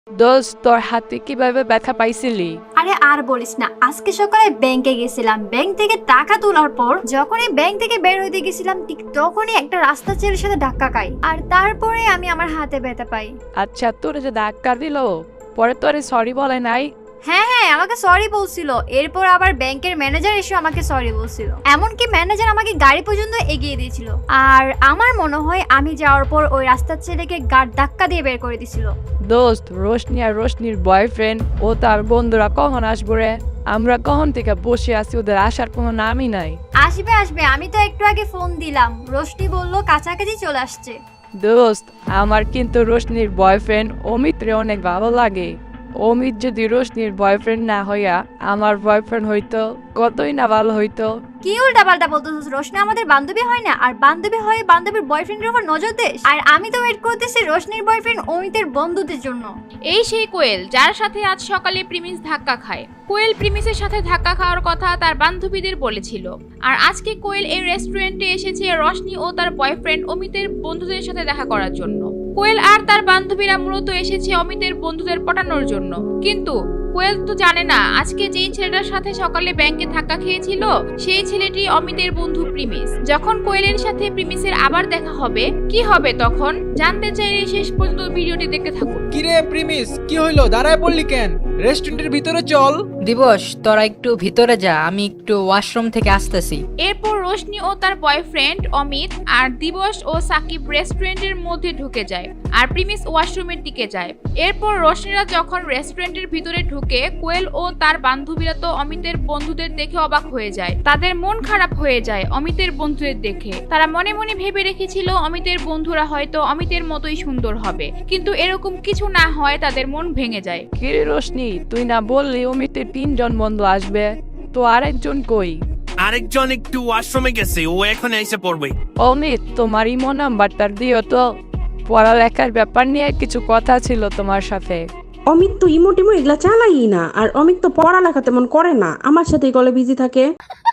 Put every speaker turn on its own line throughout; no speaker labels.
দোস্ত, তোর হাতে কিভাবে ব্যথা পাইছিলি?
আরে আর বলিস না, আজকে সকালে ব্যাংকে গেছিলাম। ব্যাংক থেকে টাকা তোলার পর যখনই ব্যাংক থেকে বের হইতে গেছিলাম, ঠিক তখনই একটা রাস্তা ছেলের সাথে ধাক্কা খাই, আর তারপরে আমি আমার হাতে ব্যথা পাই।
আচ্ছা, তোর যে ধাক্কা দিল, পরে তোরে সরি বলে নাই?
হ্যাঁ হ্যাঁ, আমাকে সরি বলছিল। এরপর আবার ব্যাংকের ম্যানেজার এসে আমাকে সরি বলছিল। এমনকি ম্যানেজার আমাকে গাড়ি পর্যন্ত এগিয়ে দিয়েছিল। আর আমার মনে হয় আমি যাওয়ার পর ওই রাস্তার ছেলেকে গাড় ধাক্কা দিয়ে বের করে দিছিল।
দোস্ত, রোশনি আর রোশনির বয়ফ্রেন্ড ও তার বন্ধুরা কখন আসবো রে? আমরা কখন থেকে বসে আছি, ওদের আসার কোনো নামই নাই।
আসবে আসবে, আমি তো একটু আগে ফোন দিলাম, রোশনি বলল কাছাকাছি চলে আসছে।
দোস্ত, আমার কিন্তু রোশনির বয়ফ্রেন্ড অমিত রে অনেক ভালো লাগে। অমিত যদি রোশনির বয়ফ্রেন্ড না হইয়া আমার বয়ফ্রেন্ড হইতো, কতই না ভালো হইতো।
কি উল্টা পাল্টা বলতেছিস? রোশনি আমাদের বান্ধবী হয় না? আর বান্ধবী হয়ে বান্ধবীর বয়ফ্রেন্ডের উপর নজর দিস? আর আমি তো ওয়েট করতেছি রোশনির বয়ফ্রেন্ড অমিতের বন্ধুদের জন্য।
এই সেই কোয়েল যার সাথে আজ সকালে প্রিমিস ধাক্কা খায়। কোয়েল প্রিমিসের সাথে ধাক্কা খাওয়ার কথা তার বান্ধবীদের বলেছিল। আর আজকে কোয়েল এই রেস্টুরেন্টে এসেছে রোশনি ও তার বয়ফ্রেন্ড অমিতের বন্ধুদের সাথে দেখা করার জন্য। কোয়েল আর তার বান্ধবীরা মূলত এসেছে অমিতের বন্ধুদের পটানোর জন্য। কিন্তু কোয়েল তো জানে না আজকে যেই ছেলেটার সাথে সকালে ব্যাংকে ধাক্কা খেয়েছিল সেই ছেলেটি অমিতের বন্ধু প্রিমিস। যখন কোয়েলের সাথে প্রিমিসের আবার দেখা হবে, কি হবে তখন জানতে চাইলে শেষ পর্যন্ত ভিডিওটি দেখতে থাকুন।
কিরে প্রিমিস, কি হইলো? দাঁড়ায় পড়লি কেন? রেস্টুরেন্টের ভিতরে চল।
দিবস, তোরা একটু ভিতরে যা, আমি একটু ওয়াশরুম থেকে আসতেছি।
এরপর রোশনি ও তার বয়ফ্রেন্ড অমিত আর দিবস ও সাকিব রেস্টুরেন্টের মধ্যে ঢুকে যায় আর প্রিমিস ওয়াশরুমের দিকে যায়। এরপর রোশনিরা যখন রেস্টুরেন্টের ভিতরে ঢুকে, কোয়েল ও তার বান্ধবীরা তো অমিতের বন্ধুদের দেখে অবাক হয়ে যায়। তাদের মন খারাপ হয়ে যায় অমিতের বন্ধুদের দেখে। তারা মনে মনে ভেবে রেখেছিল অমিতের বন্ধুরা হয়তো অমিতের মতোই সুন্দর হবে, কিন্তু এরকম কিছু না হয় তাদের মন ভেঙে যায়।
কিরে রোশনি, তুই না বললি অমিতের 3জন বন্ধু আসবে, তো আরেকজন কই?
আরেকজন একটু ওয়াশরুমে গেছে, ও এখন এসে পড়বে।
অমিত, তোমার ইমো নাম্বারটা দিও তো, পড়ালেখার ব্যাপার নিয়ে কিছু কথা ছিল তোমার সাথে।
অমিত তো ইমোটিমো এগুলা চালাই না, আর অমিত তো পড়ালেখা তেমন করে না, আমার সাথেই কলে বিজি থাকে।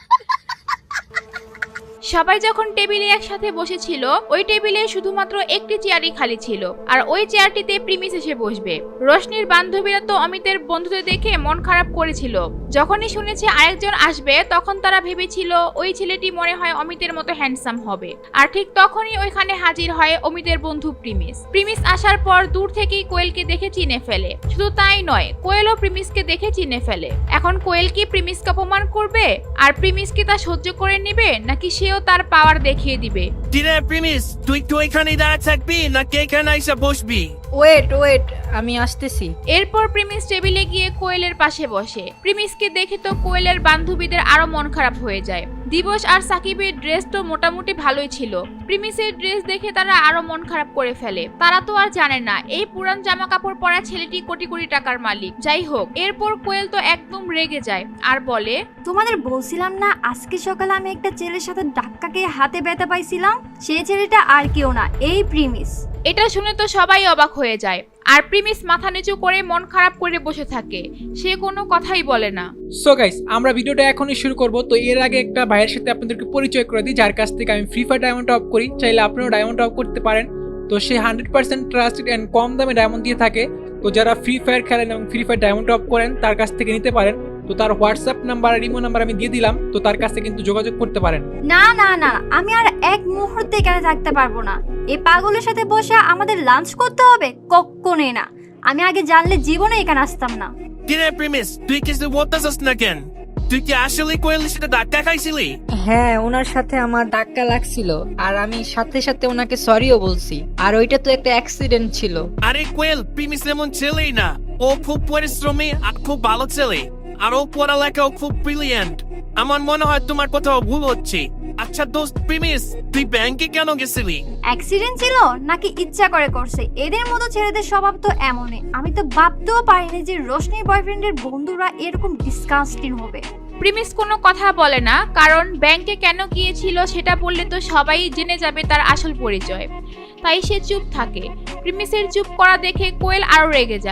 সবাই যখন টেবিলে একসাথে বসেছিল, ওই টেবিলে শুধুমাত্র একটি চেয়ারই খালি ছিল, আর ওই চেয়ারটিতে প্রিমিস এসে বসবে। রোশনির বান্ধবীরা তো অমিতের বন্ধুদের দেখে মন খারাপ করেছিল। যখনই শুনেছে আরেকজন আসবে, তখন তারা ভেবেছিল ওই ছেলেটি মনে হয় অমিতের মতো হ্যান্ডসাম হবে। আর ঠিক তখনই ওইখানে হাজির হয় অমিতের বন্ধু প্রিমিস। প্রিমিস আসার পর দূর থেকেই কোয়েলকে দেখে চিনে ফেলে। শুধু তাই নয়, কোয়েলও প্রিমিসকে দেখে চিনে ফেলে। এখন কোয়েল কি প্রিমিসকে অপমান করবে? আর প্রিমিস কি তা সহ্য করে নেবে, নাকি সেও তার পাওয়ার দেখিয়ে দিবে?
কিরে প্রিমিস, তুই তো এখানে দাঁড়িয়ে থাকবি নাকি এখানে এসে বসবি?
ওয়েট, আমি আসতেছি।
এরপর প্রিমিস টেবিলে গিয়ে কোয়েলের পাশে বসে। প্রিমিসকে দেখে তো কোয়েলের বান্ধবীদের আরো মন খারাপ হয়ে যায়। দিবস আর সাকিবের ড্রেস তো মোটামুটি ভালোই ছিল, প্রিমিসের ড্রেস দেখে তারা আরো মন খারাপ করে ফেলে। তারা তো আর জানে না এই পুরান জামা কাপড় পরা ছেলেটি কোটি কোটি টাকার মালিক। যাই হোক, এরপর কোয়েল তো একদম রেগে যায় আর বলে,
তোমাদের বলছিলাম না আজকে সকালে আমি একটা ছেলের সাথে ধাক্কা খেয়ে হাতে ব্যথা পাইছিলাম? সেই ছেলেটা আর কেউ না, এই প্রিমিস।
এটা শুনে তো সবাই অবাক হয়ে যায়। আর প্রিমিস মাথা নিচু করে মন খারাপ করে বসে থাকে, সে কোনো কথাই বলে না।
সো গাইস, আমরা ভিডিওটা এখনই শুরু করব। তো এর আগে একটা ভাইয়ের সাথে আপনাদেরকে পরিচয় করে দিই, যার কাছ থেকে আমি ফ্রি ফায়ার ডায়মন্ড অফ করি। চাইলে আপনারাও ডায়মন্ড অফ করতে পারেন। তো সে 100% ট্রাস্টেড এন্ড কম দামে ডায়মন্ড দিয়ে থাকে। তো যারা ফ্রি ফায়ার খেলেন এবং ফ্রি ফায়ার ডায়মন্ড অফ করেন, তার কাছ থেকে নিতে পারেন। তো তার হোয়াটসঅ্যাপ নাম্বার আর ইমো নাম্বার আমি দিয়ে দিলাম, তো তার কাছে কিন্তু যোগাযোগ করতে পারেন।
না না না, আমি আর এক মুহূর্তে এখানে থাকতে পারবো না। এই পাগলের সাথে বসে আমাদের লাঞ্চ করতে হবে? কখনোই না। আমি আগে জানলে জীবনে এখানে আসতাম না।
কিরে প্রিমিস, তুই কিছু বলতেছিস না কেন? তুই কি আসলে কোয়েলের সাথে ধাক্কা খাইছিলি?
হ্যাঁ, ওনার সাথে আমার ধাক্কা লাগছিল, আর আমি সাথে সাথে ওনাকে সরিও বলছি। আর ওইটা তো একটা অ্যাক্সিডেন্ট ছিল।
আরে কোয়েল, প্রিমিস এমন ছেলেই না। ও খুব পরিশ্রমী আর খুব ভালো ছেলে, আর ও পড়ালেখাও খুব ব্রিলিয়ান্ট। আমার মনে হয় তোমার কোথাও ভুল হচ্ছে। আচ্ছা দোস্ত প্রিমিস, তুই ব্যাংকে কেন গেছিলি?
অ্যাক্সিডেন্ট ছিল নাকি ইচ্ছা করে করছে? এদের মতো ছেলেদের স্বভাব তো এমনই। আমি তো ভাবতেও পারিনি যে রোশনির বয়ফ্রেন্ডের বন্ধুরা এরকম ডিসকাস্টিং হবে।
প্রিমিস কোনো কথা বলে না, কারণ ব্যাংকে কেন গিয়েছিল সেটা বললে তো সবাই জেনে যাবে তার আসল পরিচয়। তাই সে চুপ থাকে। প্রিমিসের চুপ করা দেখে কোয়েল আরো রেগে যায়।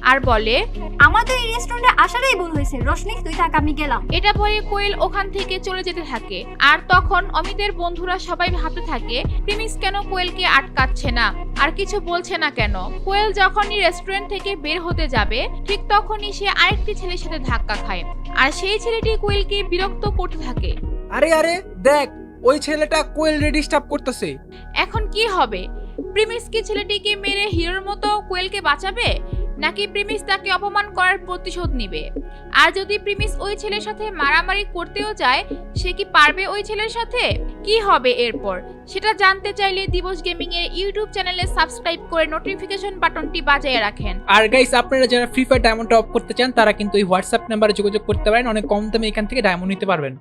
আর বলে,
আমার তো এই রেস্টুরেন্টে আসারই ভুল হয়েছে, রোশনি তুই থাক, আমি গেলাম।
এটা বলে কোয়েল ওখান থেকে চলে যেতে থাকে। আর তখন অমিতের বন্ধুরা সবাই ভাবতে থাকে প্রিমিস কেন কোয়েলকে আটকাচ্ছে না আর কিছু বলছে না কেন। কোয়েল যখনই রেস্টুরেন্ট থেকে বের হতে যাবে ঠিক তখনই সে আরেকটি ছেলের সাথে ধাক্কা খায়, আর সেই ছেলেটি কোয়েলকে বিরক্ত করতে থাকে।
আরে আরে দেখ, ওই ছেলেটা কোয়েল ডিস্টার্ব করতেছে।
এখন কি হবে? প্রিমিস কি ছেলেটিকে মেরে হিরোর মতো কোয়েলকে বাঁচাবে, নাকি প্রিমিস তাকে অপমান করার প্রতিশোধ নিবে? আর যদি প্রিমিস ওই ছেলের সাথে মারামারি করতেও যায়, সে কি পারবে ওই ছেলের সাথে? কি হবে এরপর সেটা জানতে চাইলে দিবস গেমিং এর ইউটিউব চ্যানেলে সাবস্ক্রাইব করে নোটিফিকেশন বাটনটি বাজিয়ে রাখেন।
আর গাইস, আপনারা যারা ফ্রি ফায়ার ডায়মন্ড টপ করতে চান তারা কিন্তু এই হোয়াটসঅ্যাপ নাম্বারে যোগাযোগ করতে পারেন, অনেক কম দামে এখান থেকে ডায়মন্ড নিতে পারবেন।